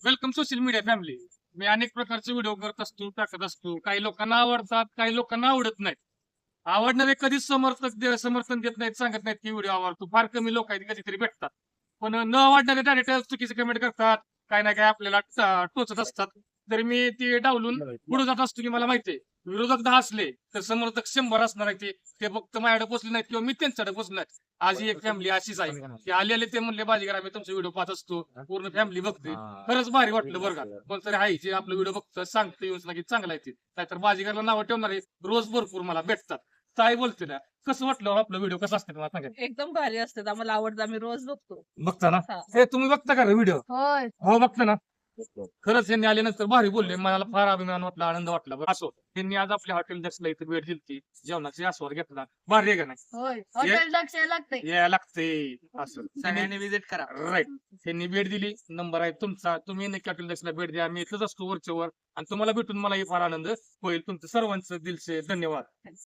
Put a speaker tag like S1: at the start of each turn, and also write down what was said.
S1: Welcome social media family. मी अनेक प्रकारचे व्हिडिओ करत असतो, टाकत असतो. काही लोकांना आवडतात, काही लोकांना आवडत नाहीत. आवडणारे कधीच समर्थन देत नाहीत, सांगत नाहीत की व्हिडिओ आवडतो. फार कमी लोक आहेत कधीतरी भेटतात. पण न आवडणारे डायरेक्ट चुकीचे कमेंट करतात. काय ना काय आपल्याला टोचत असतात. तर मी ते डावलून पुढे जात असतो की मला माहितीये विरोधक 10 असले तर समर्थक 100 असणार आहे. ते फक्त माझ्याकडे पोचले नाहीत किंवा मी त्यांच्याकडे पोचलो नाही. आज ही एक फॅमिली अशीच आहे. ते आलेले ते म्हणले बाजीगर आम्ही तुमचे व्हिडिओ पाहत असतो, पूर्ण फॅमिली बघते. खरंच भारी वाटलं बरं का. कोणतरी आहे जे आपलं व्हिडिओ बघतं सांगतं येऊन की चांगला आहे ते. नाहीतर बाजीगरला नावं ठेवणारे रोज भरपूर मला भेटतात. ताई बोलते ना, कसं वाटलं हो आपलं व्हिडिओ कसं असतं मला सांगा.
S2: एकदम भारी असतात. आम्हाला आवडतं. आम्ही रोज बघतो.
S1: बघता ना?
S2: हा.
S1: हे तुम्ही बघता का व्हिडिओ?
S2: होय.
S1: हो बघता ना. खरंच यांनी आल्यानंतर भारी बोलले. मला फार अभिमान वाटला, आनंद वाटला. बरं, असो त्यांनी आज आपल्या हॉटेल दक्षला इथं भेट दिली, जेवणाचा आस्वाद घेतला. भारी आहे का नाही?
S2: होय. हॉटेल दक्ष लागते.
S1: यायला लागते असं
S3: सगळ्यांनी विजिट करा.
S1: राईट. त्यांनी भेट दिली, नंबर आहे तुमचा. तुम्ही नक्की हॉटेल दक्षला भेट द्या. मी इथंच असतो वरच्या वर आणि तुम्हाला भेटून मलाही फार आनंद होईल. तुमचं सर्वांचं दिलसे धन्यवाद.